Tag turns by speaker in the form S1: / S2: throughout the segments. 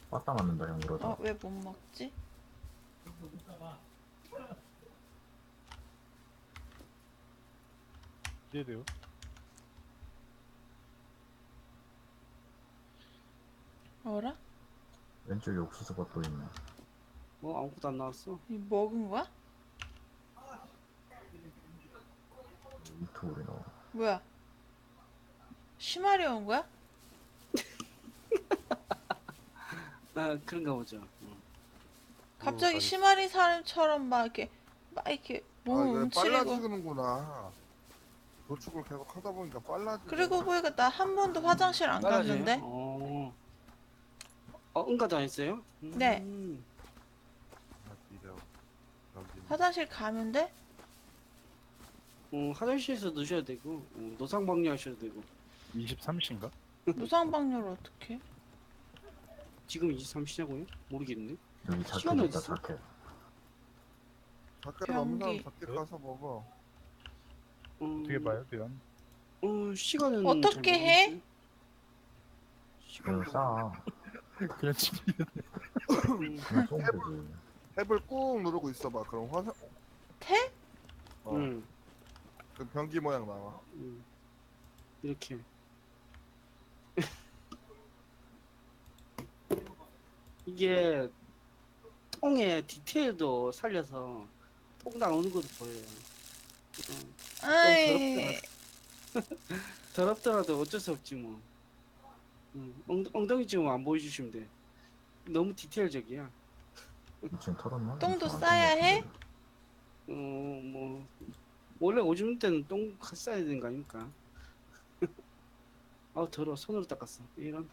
S1: 빠따 맞는다 형 그러다.
S2: 왜 못 먹지?
S3: 이해돼요?
S2: 어라?
S1: 왼쪽에 옥수수가 또 있네.
S4: 뭐 아무것도 안 나왔어.
S2: 이 먹은 거야?
S1: 이토리 넣어.
S2: 뭐야? 심하리 온 거야?
S4: 아 그런가 보죠.
S2: 갑자기
S3: 알겠어.
S2: 심하리 사람처럼 막 이렇게 몸을
S5: 이게
S2: 움츠리고.
S5: 빨라지는구나. 도축을 계속 하다 보니까 빨라지네.
S2: 그리고 보니까 나 한 번도 화장실 안 갔는데?
S4: 응가도 안 했어요?
S2: 네. 화장실 가면 돼?
S4: 화장실에서 넣으셔야 되고 노상방뇨 하셔도 되고.
S3: 23시인가?
S2: 무상방뇨를 어떻게?
S4: 지금 23시냐고요? 모르겠네.
S1: 여기 자켓
S4: 시간이
S1: 있다
S4: 어딨어?
S1: 자켓.
S5: 밖에 남는 사람
S2: 변기.
S5: 밖에 가서 먹어.
S3: 어떻게 봐요, 대현?
S4: 시간은
S2: 어떻게
S4: 잘
S2: 해?
S4: 모르겠어요.
S1: 그냥 싸.
S3: 그냥 치킨.
S1: 그냥 쏘면 되지.
S5: 탭을 꾹 누르고 있어봐. 그럼 화상.
S2: 태?
S5: 그 변기 모양 나와.
S4: 이렇게. 이게 통의 디테일도 살려서 통 나오는 것도 보여요.
S2: 아이,
S4: 더럽더라도 어쩔 수 없지 뭐. 엉덩이 좀 안 보여주시면 돼. 너무 디테일적이야.
S1: 2층 털었나?
S2: 똥도
S1: 2층 안
S2: 싸야
S1: 털었나?
S2: 해?
S4: 뭐 원래 오줌 때는 똥 싸야 되는 거 아닙니까? 아 더러워. 손으로 닦았어. 이런.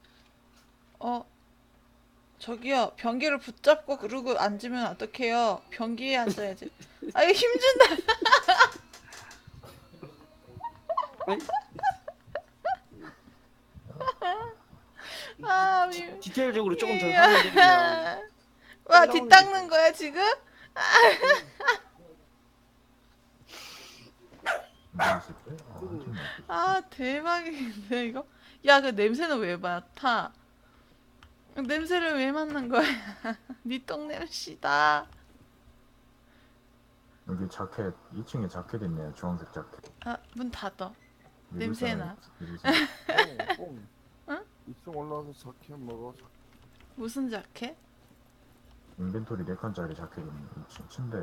S2: 저기요, 변기를 붙잡고 그러고 앉으면 어떡해요? 변기에 앉아야지. 아, 이거 힘준다.
S4: 아니,
S2: 아,
S4: 디테일적으로 조금 더 하면 되면.
S2: 와, 뒷 닦는 거야, 지금?
S1: 이거 있을 때? 한팀 먹고.
S2: 아, 대박인데, 이거? 야, 그 냄새는 왜 맡아? 냄새를 왜 맡는 거야? 니 똥냄새다.
S1: 여기 자켓 2층에 자켓 있네요. 주황색 자켓.
S2: 아, 문 닫아.
S1: 미국
S2: 냄새나.
S1: 사람, 미국 사람.
S5: 꽁.
S2: 응?
S5: 2층 올라와서 자켓 먹어.
S2: 무슨 자켓?
S1: 인벤토리 4칸짜리 자켓 있네. 2층 침대.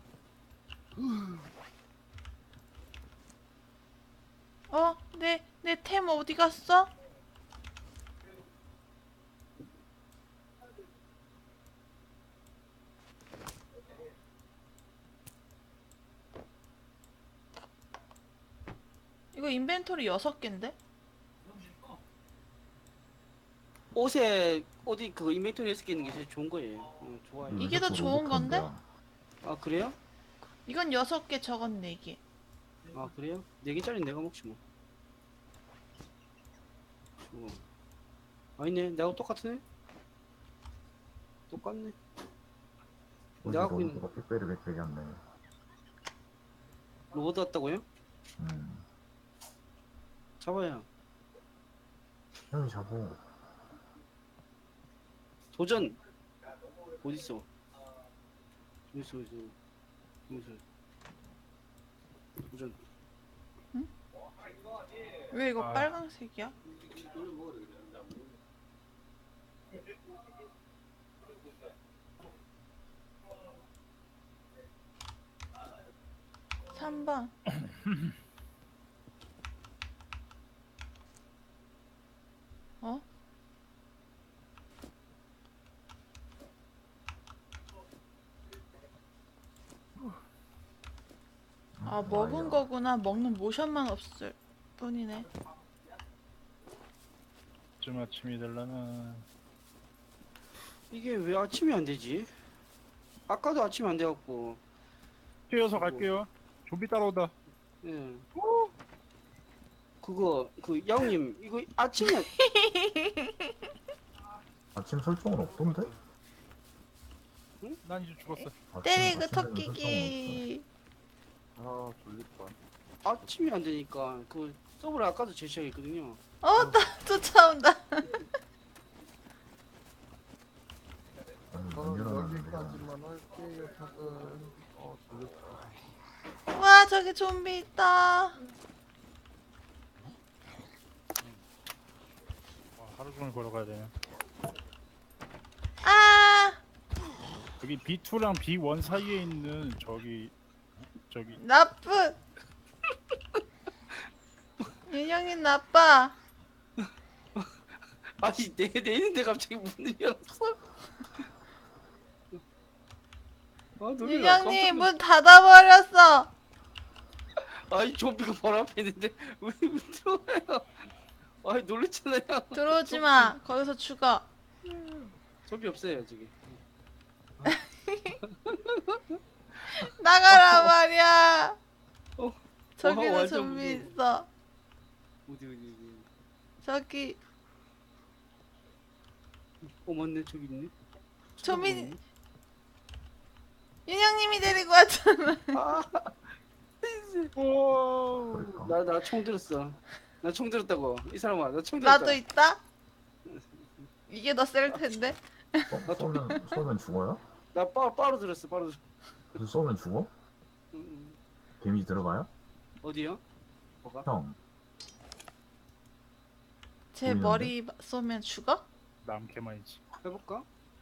S2: 내 템 어디 갔어? 이거 인벤토리 6개인데?
S4: 옷에 어디 그 인벤토리에 쓰게 있는 게 제일 좋은 거예요. 좋아요.
S2: 이게 더 좋은 건데?
S4: 아 그래요?
S2: 이건 6개, 저건 4개.
S4: 아 그래요? 4개짜리 내가 먹지 뭐. 좋아. 아니네, 내가 똑같네. 똑같네. 내가 갖고 있는
S1: 거 빽빽이 빽빽이 한네.
S4: 로봇 왔다고요?
S1: 음.
S4: 잡아요.
S1: 형이 잡어.
S4: 도전. 어디 있어? 어디 있어? 도전.
S2: 왜 이거
S3: 아.
S2: 빨강색이야? 삼번 어? 아, 먹은 거구나. 먹는 모션만 없을 뿐이네.
S3: 좀 아침이 될라나.
S4: 이게 왜 아침이 안 되지? 아까도 아침이 안 돼갖고.
S3: 뛰어서 갈게요. 좀비 따라온다.
S4: 예. 그 야옹님 이거 아침에
S1: 아침 설정은 없던데?
S3: 난 이제 죽었어.
S2: 때리고
S1: 아침 설정은
S2: 토끼기.
S5: 아 졸릴 뻔.
S4: 아침이 안 되니까 그 서브를 아까도 제시하겠거든요.
S2: 나 쫓아온다. 저기 좀비 있다.
S3: 하루 종일 걸어가야 되네.
S2: 아
S3: 여기 B2랑 B1 사이에 있는 저기
S2: 나쁜. 윤영이 나빠.
S4: 아니 내 있는데 갑자기 문을 열었어. 아 놀래라.
S2: 윤영님 문 닫아버렸어.
S4: 아니 좀비가 바로 앞에 있는데 왜 들어와요? 아니 놀랬잖아요.
S2: 들어오지 마. 거기서 죽어.
S4: 좀비 없어요 저기.
S2: 나가라 말이야.
S4: 어,
S2: 저기도
S4: 완전
S2: 좀비
S4: 무서워.
S2: 있어.
S4: 어디.
S2: 저기
S4: 맞네 저기 있네.
S2: 좀비 윤영님이 데리고 왔잖아.
S1: 그러니까.
S4: 나 총 들었어. 나 총 들었다고. 이 사람아 나 총 들었다.
S2: 나도 있다. 이게 더 셀 텐데.
S1: 쏘면 죽어요?
S4: 나 바로 들었어. 바로 들었어.
S1: 무슨 쏘면 죽어? 데미지 들어가요?
S4: 어디요? 뭐가?
S1: 형
S2: 제
S1: 보이는데?
S2: 머리 쏘면 죽어?
S3: 남캐만이지.
S4: 해볼까?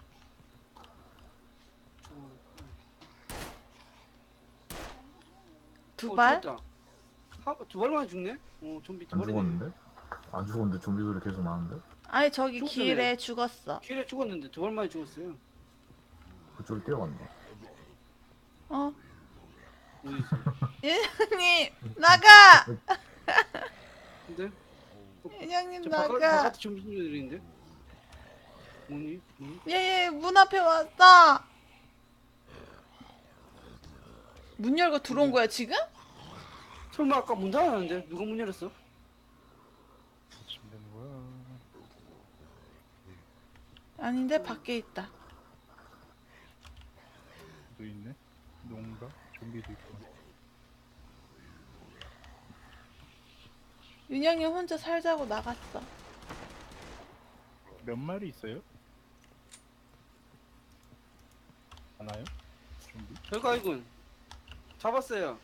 S2: 두 발?
S4: 두 발만 죽네? 좀비 두
S1: 안
S4: 발이네.
S1: 죽었는데? 안 죽었는데 좀비 소리 계속 나는데?
S2: 아니 저기
S4: 죽었네.
S2: 길에 죽었어.
S4: 길에 죽었는데 두 발만에 죽었어요.
S1: 그쪽으로 뛰어간다.
S2: 어?
S4: 어디지?
S2: 윤영님 나가.
S4: 근데?
S2: 윤영님
S4: 저
S2: 나가.
S4: 바깥에 좀비들인데? 뭐니?
S2: 얘 문 앞에 왔어. 문 열고 들어온 거야 지금?
S4: 설마 아까 문 닫았는데 누가 문 열었어?
S3: 지금 되는 거야.
S2: 아닌데 밖에 있다.
S3: 또 있네. 농가 좀비도 있고.
S2: 윤영이 혼자 살자고 나갔어.
S3: 몇 마리 있어요? 하나요? 좀비?
S4: 별가이군. 잡았어요.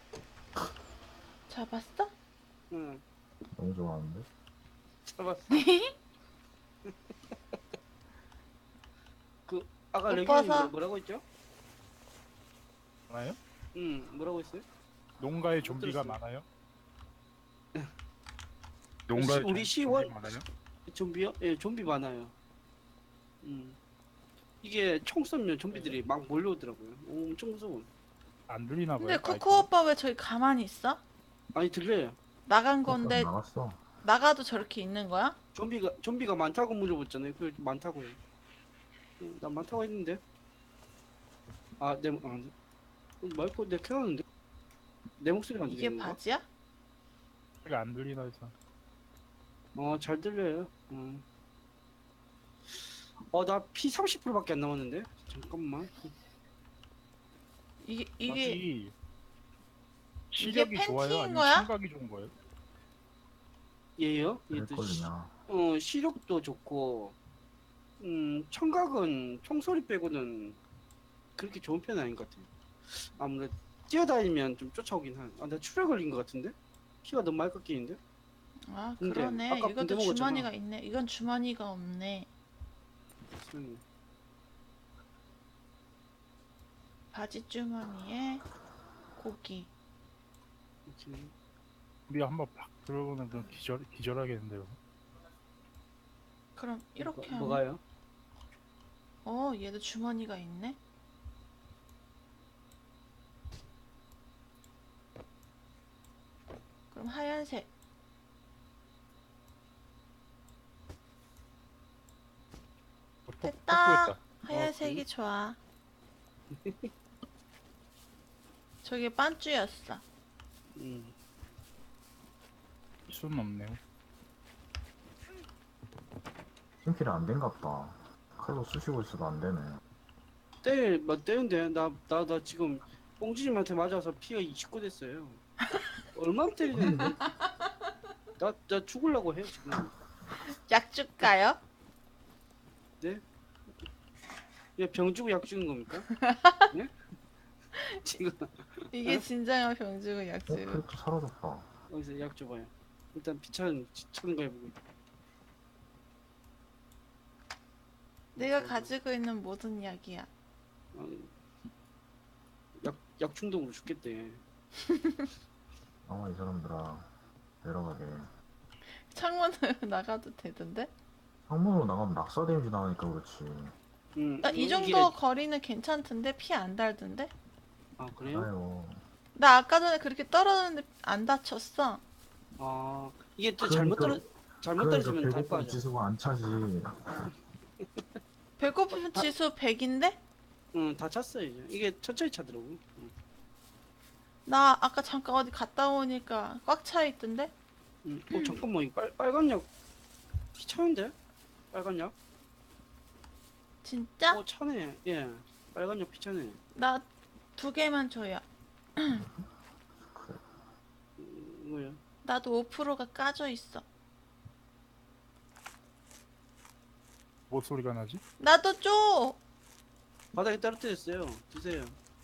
S2: 잡았어?
S4: 응,
S1: 너무 좋아하는데?
S4: 잡았어. 그 아까
S2: 못
S4: 레귤이
S2: 봐서.
S4: 뭐라고 했죠?
S3: 하나요?
S4: 응, 뭐라고 했어요?
S3: 농가에 좀비가
S4: 들었어요.
S3: 많아요? 농가에
S4: 우리
S3: 좀비
S4: 10월
S3: 많아요?
S4: 좀비요? 예, 좀비 많아요. 이게 총 쏘면 좀비들이 막 몰려오더라고요. 엄청 무서워.
S3: 안 들리나 봐요.
S2: 근데 코코 오빠 왜 저기 가만히 있어?
S4: 아니 들려요.
S2: 나간 건데
S1: 나갔어.
S2: 나가도 저렇게 있는 거야?
S4: 좀비가 많다고 물어봤잖아요. 그 많다고요. 나 많다고 했는데. 마이크 내가 켜놨는데. 내 목소리가 안
S2: 이게
S4: 들리는 건가?
S2: 바지야?
S3: 소리가 안 들리나 해서.
S4: 잘 들려요. 나 피 30%밖에 안 남았는데. 잠깐만.
S2: 이게
S3: 마치 시력이
S2: 팬티인
S3: 좋아요? 아니면
S2: 거야?
S3: 청각이 좋은 거예요?
S4: 얘요? 얘도
S1: 그랬거든요.
S4: 시력도 좋고, 청각은 총소리 빼고는 그렇게 좋은 편은 아닌 것 같아요. 아무래도 뛰어다니면 좀 쫓아오긴 한. 나 출혈 걸린 것 같은데? 피가 너무 많이 깎이는데?
S2: 아
S4: 근데
S2: 그러네.
S4: 아까
S2: 이것도
S4: 군대 먹었잖아.
S2: 주머니가 있네. 이건 주머니가 없네. 바지 주머니에 고기.
S4: 이렇게.
S3: 우리 한번 팍 들어보면 그럼 기절하겠는데요.
S2: 그럼 이렇게 하면
S4: 뭐가요?
S2: 얘도 주머니가 있네. 그럼 하얀색. 됐다.
S3: 뽀뽀했다.
S2: 하얀색이 좋아. 저게 반쭈였어.
S3: 수는 없네요.
S1: 팀킬이 안 된갑다. 칼로 쑤시고 있어도 안 되네.
S4: 때는데 나 지금 뽕지님한테 맞아서 피가 29 됐어요. 얼마나 때리는데? 나 죽으려고 해 지금.
S2: 약 줄까요?
S4: 네? 병 주고 약 주는 겁니까? 네? 지금
S2: 이게 진정한 병주고
S1: 어?
S2: 약주고.
S1: 캐릭터 사라졌다.
S4: 여기서 약 줘봐요. 일단 비천 치는 거 해보고.
S2: 내가 가지고 있는 모든 약이야.
S4: 약 중독으로 죽겠대.
S1: 이 사람들아. 내려가게.
S2: 창문으로 나가도 되던데?
S1: 창문으로 나가면 낙사 데미지 나가니까 그렇지.
S2: 나 이 정도 거리는 괜찮던데? 피 안 달던데?
S4: 아 그래요?
S1: 아유.
S2: 나 아까 전에 그렇게 떨어졌는데 안 다쳤어.
S4: 아 이게 또
S1: 그러니까-
S4: 잘못
S1: 그러니까
S4: 떨어지면 달
S1: 배고픈
S4: 빠져.
S1: 지수가 안 차지.
S2: 배고픔 지수 100인데?
S4: 응, 다 찼어 이제. 이게 천천히 차더라고. 응.
S2: 나 아까 잠깐 어디 갔다 오니까 꽉 차 있던데?
S4: 잠깐만 이 빨간 약 차는데? 빨간 약?
S2: 진짜?
S4: 차네. 예, 빨간 약 피차네.
S2: 나 2개만 줘요.
S4: 이거요.
S2: 나도 5%가 까져 있어.
S3: 뭐 소리가 나지?
S2: 나도 줘!
S4: 바닥에 떨어뜨렸어요. 드세요.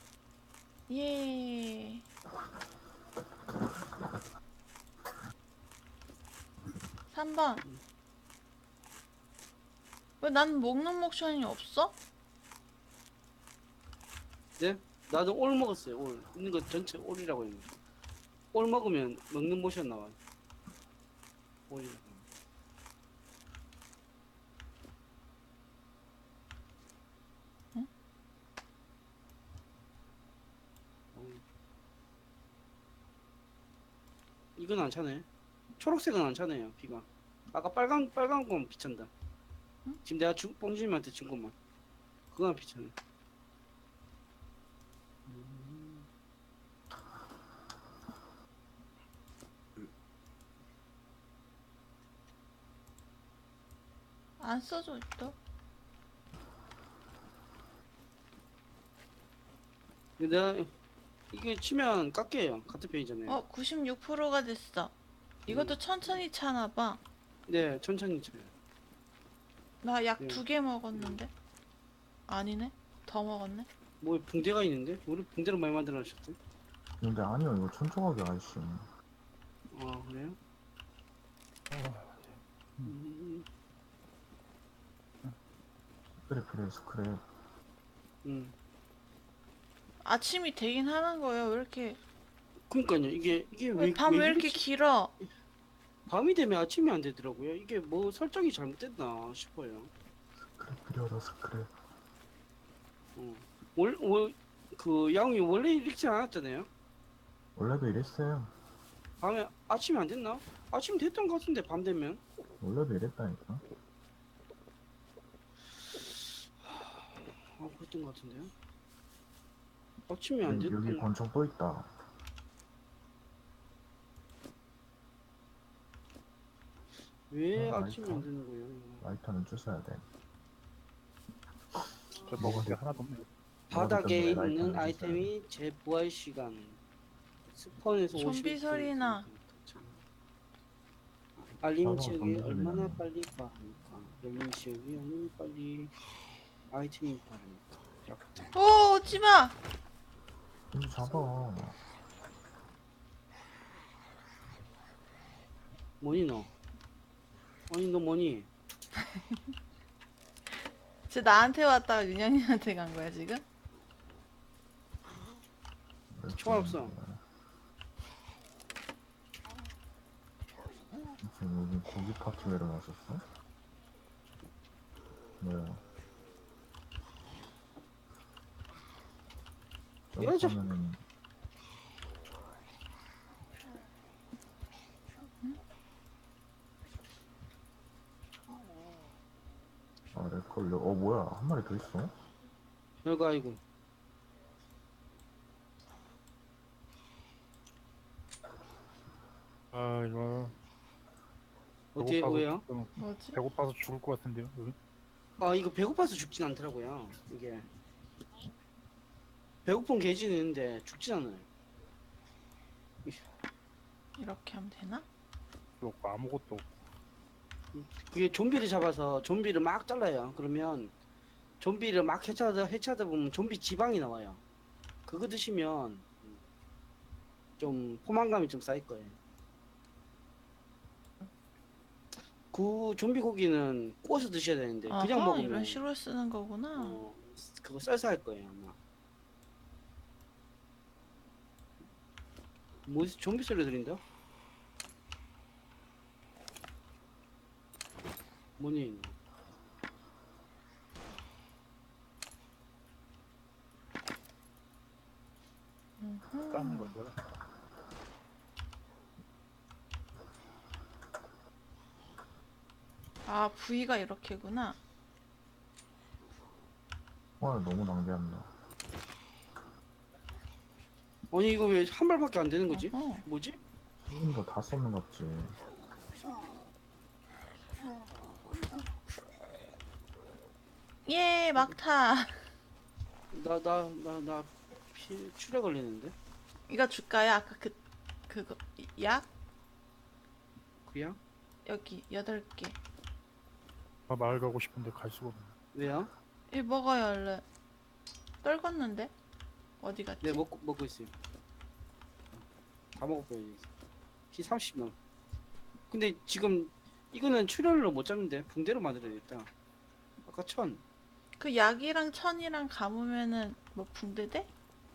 S2: 예. 삼 번. 왜 난 먹는 모션이 없어?
S4: 네? 나도 올 먹었어요. 올 있는 거 전체 올이라고 했는데. 올 먹으면 먹는 모션 나와요. 올이라고.
S2: 응?
S4: 이건 안 차네. 초록색은 안 차네요. 비가. 아까 빨간 건 비찬다.
S2: 응?
S4: 지금 내가 뽕주님한테 준 것만. 그건 비차네.
S2: 안 써져 있다.
S4: 근데 내가 이게 치면 깎여요. 같은 편이잖아요.
S2: 96%가 됐어. 이것도 천천히 차나 봐.
S4: 네, 천천히 쳐요.
S2: 나 약
S4: 네.
S2: 2개 먹었는데? 아니네. 더 먹었네.
S4: 뭐 붕대가 있는데? 우리 붕대를 많이 만들어 놨었대.
S1: 근데 아니요, 이거 천조각이 아저씨.
S4: 아 그래요?
S1: 스크랩, 스크랩.
S4: 음.
S2: 아침이 되긴 하는 거예요. 왜 이렇게
S4: 그러니까요. 이게
S2: 밤 왜 이렇게 길어?
S4: 밤이 되면 아침이 안 되더라고요. 이게 뭐 설정이 잘못됐나 싶어요.
S1: 스크랩 필요하다, 스크랩.
S4: 그 양이 원래 이렇지 않았잖아요.
S1: 원래도 이랬어요.
S4: 밤에 아침이 안 됐나? 아침 됐던 것 같은데 밤 되면.
S1: 원래도 이랬다니까.
S4: 아 그랬던 것 같은데요. 아침이 안
S1: 여기
S4: 됐던.
S1: 권총 또 있다.
S4: 왜
S1: 아,
S4: 아침이 안
S1: 라이터?
S4: 되는 거예요? 이거?
S1: 라이터는 주셔야 돼.
S3: 저 먹은 게 하나도 없네.
S4: 바닥에
S1: 라이터는
S4: 있는
S1: 주셔야
S4: 아이템이 재부활 시간. 스폰에서
S2: 좀비
S4: 50
S2: 소리나.
S4: 알림
S1: 맞아,
S4: 지역이
S1: 좀비
S4: 얼마나
S1: 소리나네.
S4: 빨리 빠르니까. 알림 지역이 얼마나 빨리 아이템이 빠르니까. 이렇게.
S2: 오, 오지 마.
S1: 좀 잡아.
S4: 뭐니 너? 아니 너 뭐니?
S2: 쟤 나한테 왔다가 윤영이한테 간 거야, 지금?
S4: 총알 없어.
S1: 지금 여기 고기 파티 내려놨었어? 뭐야?
S4: 이거 좀-
S1: 점프하면은 렉 걸려. 뭐야? 한 마리 더 있어?
S4: 별거 아니고.
S3: 아 이거
S4: 어떻게
S3: 배고파서
S4: 왜요?
S2: 뭐지?
S3: 배고파서 죽을 것 같은데요. 여기?
S4: 아 이거 배고파서 죽진 않더라고요. 이게 배고픈 개지는 있는데 죽진 않아요.
S2: 이렇게 하면 되나?
S3: 없고 아무것도 없고.
S4: 그게 좀비를 잡아서 좀비를 막 잘라요. 그러면 좀비를 막 해체하다 보면 좀비 지방이 나와요. 그거 드시면 좀 포만감이 좀 쌓일 거예요. 그 좀비 고기는 구워서 드셔야 되는데 그냥
S2: 아하,
S4: 먹으면
S2: 이런 식으로 쓰는 거구나.
S4: 그거 쌀쌀할 거예요 아마. 뭐 좀비 소리 들린다? 뭐니?
S3: 까는 거죠.
S2: 아, 부위가 이렇게구나.
S1: 와 너무 낭비한다.
S4: 아니 이거 왜 한 발밖에 안 되는 거지?
S2: 어허.
S4: 뭐지?
S1: 지금도 다 썼는 같지.
S2: 예, 막타.
S4: 나 출혈 걸리는데?
S2: 이거 줄까요? 아까 그거 약
S4: 그냥?
S2: 여기 8개.
S3: 아, 마을 가고 싶은데 갈 수가 없네.
S4: 왜요?
S2: 이 먹어요 얼른. 떨궜는데 어디 갔지?
S4: 네 먹고 있어요. 다 먹었어요. 피 30 넘. 근데 지금 이거는 출혈로 못 잡는데 붕대로 만들어야겠다. 아까 1000.
S2: 그 약이랑 천이랑 감으면은 뭐 붕대 돼?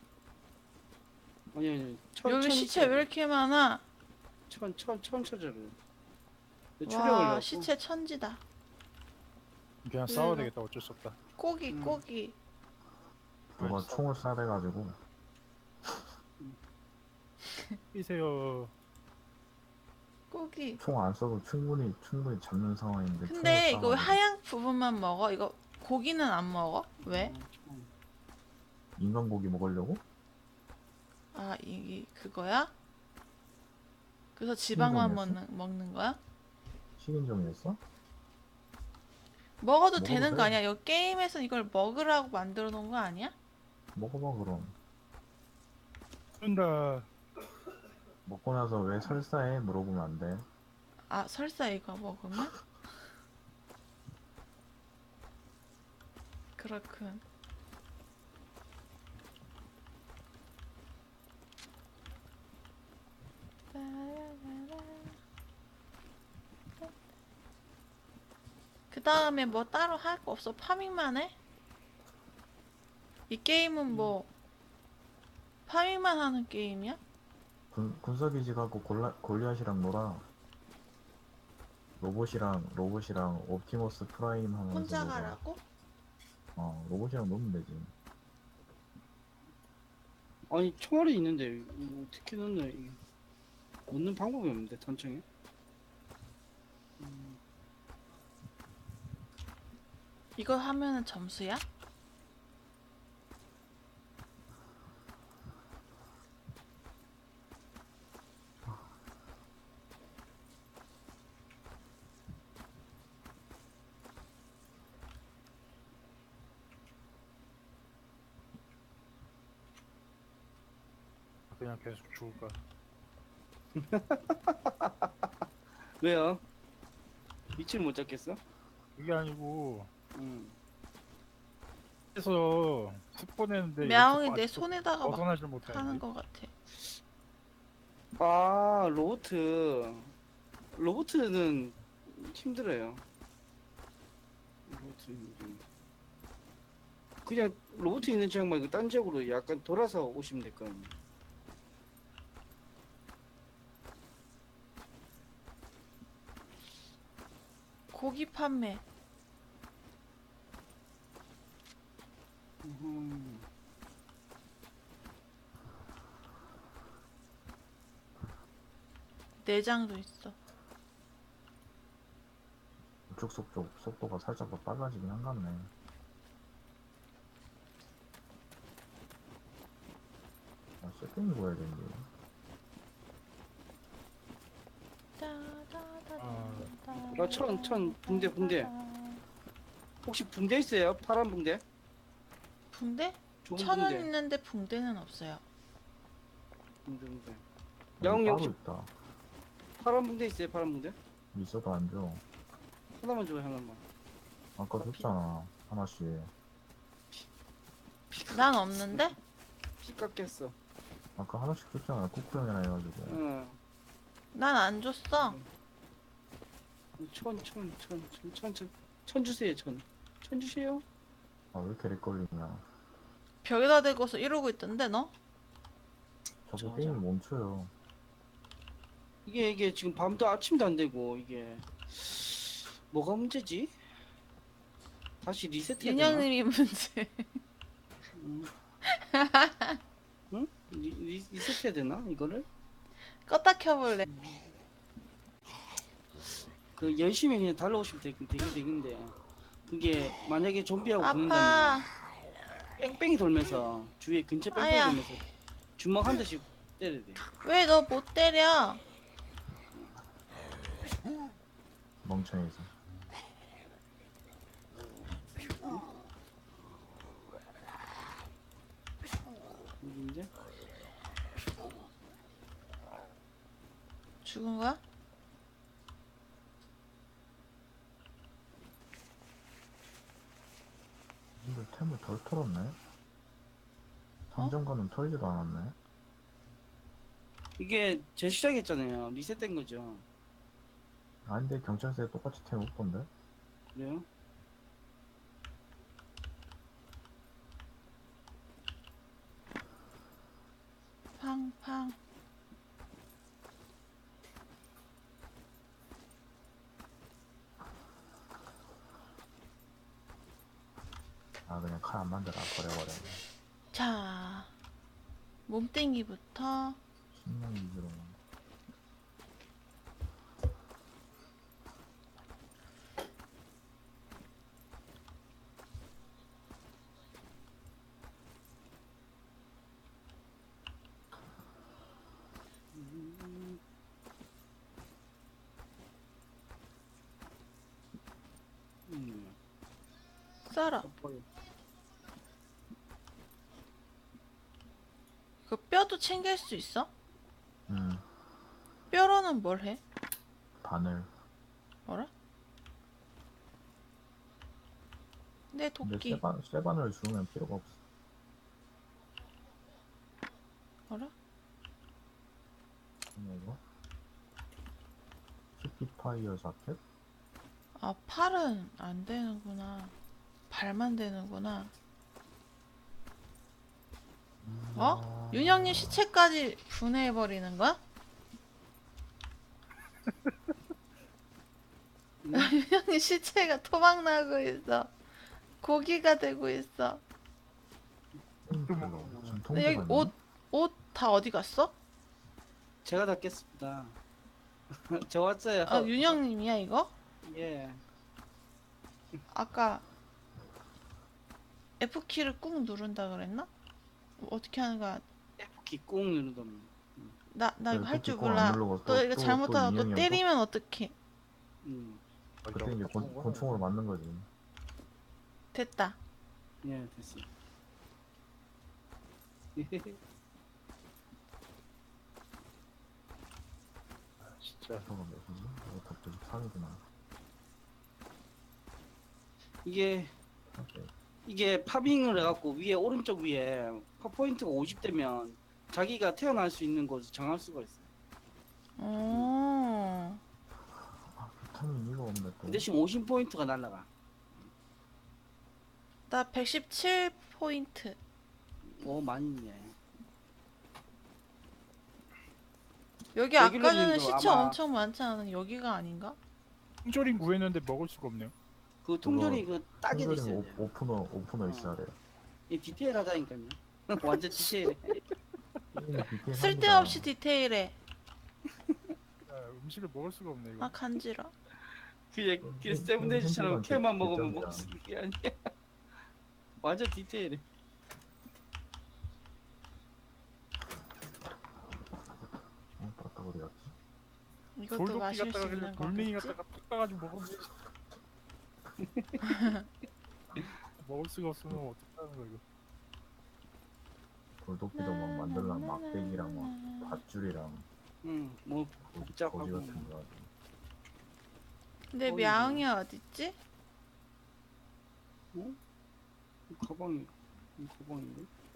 S4: 아니
S2: 여기 시체 왜 이렇게 많아?
S4: 천 쳐져요.
S2: 와, 시체 천지다.
S3: 그냥
S2: 왜
S3: 싸워야
S2: 이러-
S3: 되겠다. 어쩔 수 없다.
S2: 고기 고기.
S1: 누가
S3: 알았어.
S1: 총을 쏴대가지고
S3: 뛰세요.
S2: 고기.
S1: 총 안 써도 충분히 잡는 상황인데.
S2: 근데
S1: 총을
S2: 이거 왜
S1: 쏴가지고.
S2: 하얀 부분만 먹어? 이거 고기는 안 먹어? 왜?
S1: 인간 고기 먹으려고?
S2: 아, 이게 그거야? 그래서 지방만 먹는 거야?
S1: 식인종이었어?
S2: 먹어도
S1: 먹어도
S2: 되는 거
S1: 돼.
S2: 아니야? 이 게임에서 이걸 먹으라고 만들어 놓은 거 아니야?
S1: 먹어봐 그럼.
S3: 쏜다.
S1: 먹고 나서 왜 설사해? 물어보면 안 돼.
S2: 아, 설사 이거 먹으면? 그렇군. 그 다음에 뭐 따로 할 거 없어? 파밍만 해? 이 게임은 뭐 파밍만 하는 게임이야?
S1: 군사기지 가고 골리앗이랑 놀아. 로봇이랑 옵티머스 프라임 하면서
S2: 혼자
S1: 놀아.
S2: 가라고?
S1: 로봇이랑 놀면 되지.
S4: 아니 총알이 있는데 이거 어떻게 넣나 이게 넣는 방법이 없는데 단청에.
S2: 이거 하면은 점수야?
S3: 그냥 계속 죽을까.
S4: 왜요? 위치를 못 잡겠어?
S3: 그게 아니고
S4: 응.
S3: 그래서 스폰했는데
S2: мя옹이 내 손에다가 막
S3: 벗어나질
S2: 하는
S3: 못하는데.
S2: 거 같아.
S4: 아 로보트는 힘들어요. 그냥 로봇 있는 지역 말고 딴 지역으로 약간 돌아서 오시면 될 거예요.
S2: 고기 판매.
S4: 음.
S2: 내장도 있어.
S1: 우측 속도가 살짝 더 빨라지긴 한 것 같네. 세팅이 보여야 되는데.
S4: 천 붕대. 혹시 붕대 있어요? 파란 붕대?
S2: 붕대?
S4: 좋은
S2: 1,000원
S4: 붕대.
S2: 있는데 붕대는 없어요.
S4: 붕대.
S1: 여기
S4: 야옹이
S1: 따로
S4: 혹시
S1: 있다.
S4: 파란 붕대 있어요? 파란 붕대?
S1: 있어도 안 줘.
S4: 하나만 줘요 하나만.
S1: 아까 줬잖아. 하나씩.
S2: 난 없는데?
S4: 씨 깎였어.
S1: 아까 하나씩 줬잖아. 쿠쿠 형이나 해가지고.
S4: 응.
S2: 난 안 줬어.
S4: 천 주세요. 천 주세요.
S1: 아, 왜 이렇게 렉 걸리냐.
S2: 벽에다 대고서 이러고 있던데 너?
S1: 자꾸
S4: 맞아.
S1: 게임이 멈춰요.
S4: 이게 지금 밤도 아침도 안 되고 이게 뭐가 문제지? 다시 리셋해야 되나?
S2: 윤영님이 문제.
S4: 음. 응? 리셋해야 되나 이거를?
S2: 껐다 켜볼래.
S4: 그 열심히 그냥 달려오시면 되는데 그게 만약에 좀비하고 붙는다면
S2: 아파.
S4: 뺑뺑이 돌면서 주위에 근처 뺑뺑이
S2: 아야.
S4: 돌면서 주먹 한 대씩 때려야 돼.
S2: 왜 너 못 때려?
S1: 멍청해서.
S4: 이제
S2: 죽은 거야?
S1: 근데 템을 덜 털었네? 상점가는 털지도 않았네?
S4: 이게 재시작했잖아요. 리셋된 거죠.
S1: 아닌데 경찰서에 똑같이 템 없던데?
S4: 그래요?
S2: 팡팡.
S1: 아, 그냥 칼 안 만들어 버려버려.
S2: 자, 몸땡기부터.
S1: 식량 위주로.
S2: 썰어.
S4: 덮어요.
S2: 그 뼈도 챙길 수 있어?
S1: 음,
S2: 뼈로는 뭘 해?
S1: 바늘.
S2: 뭐라? 내
S1: 근데
S2: 도끼.
S1: 쇠바늘 주우면 필요가 없어.
S2: 뭐라?
S1: 이거? 스피파이어 자켓?
S2: 아, 팔은 안 되는구나. 발만 되는구나. 어? 윤영님 시체까지 분해해버리는 거야? 윤영님 시체가 토막나고 있어. 고기가 되고 있어.
S1: 지금
S2: 근데 여기
S1: 통보가
S2: 옷 다 어디 갔어?
S4: 제가 닫겠습니다. 저 왔어요.
S2: 아, 윤영님이야, 이거?
S4: 예.
S2: 아까 F키를 꾹 누른다 그랬나? 어떻게 하는 거야?
S4: F키 꾹 누르던.
S2: 나 이거 할 줄
S1: F키 꾹안
S2: 몰라.
S1: 누르고
S2: 또 이거
S1: 또
S2: 잘못하다 또
S1: 인형이
S2: 때리면 어떡해.
S1: 그때 이제 권총으로 맞는 거지.
S2: 됐다.
S4: 예, 됐어.
S3: 진짜
S1: 저거 몇이지? 이거 다 93이구나.
S4: 이게
S1: 오케이.
S4: 이게 파밍을 해갖고 위에 오른쪽 위에 퍼포인트가 50 되면 자기가 태어날 수 있는 곳을 정할 수가 있어요.
S2: 오.
S1: 비타민 이가 없네 또.
S4: 그 대신 50포인트가 날라가.
S2: 나 117포인트.
S4: 오, 많이 있네.
S2: 여기 아까 전에
S4: 레귤러님도
S2: 시체
S4: 아마-
S2: 엄청 많지 않은 여기가 아닌가?
S3: 통조림 구했는데 먹을 수가 없네요.
S4: 그 통조리 그 따게 돼 있어요.
S1: 오프너 있어야 돼요.
S4: 이 디테일하다니까요. 완전 디테일해.
S1: 게임이 디테일합니다.
S2: 쓸데없이 디테일해.
S3: 음식을 먹을 수가 없네 이거.
S2: 아, 간지러.
S4: 그냥 세븐데이즈처럼
S1: 생각은
S4: 캐만 먹으면
S1: 개점이야.
S4: 먹을 수 있는 게 아니야. 완전 디테일해.
S1: 따뜻 어디 갔지?
S2: 이것도
S3: 돌도끼
S2: 마실 수
S3: 갖다가
S2: 있는
S3: 돌멩이
S2: 거겠지?
S3: 갖다가 푹 까가지고 먹으면 되지. 먹을 수가 없으면 어떡하는 거야 이거.
S1: 돌도끼도 막 만들려면 막대기랑 막 밧줄이랑
S4: 응, 뭐
S1: 거지
S4: 복잡하고.
S1: 같은 거 가지고.
S2: 근데
S4: 어이,
S2: мя옹이 어딨지?
S4: 이 가방이 이 가방인데?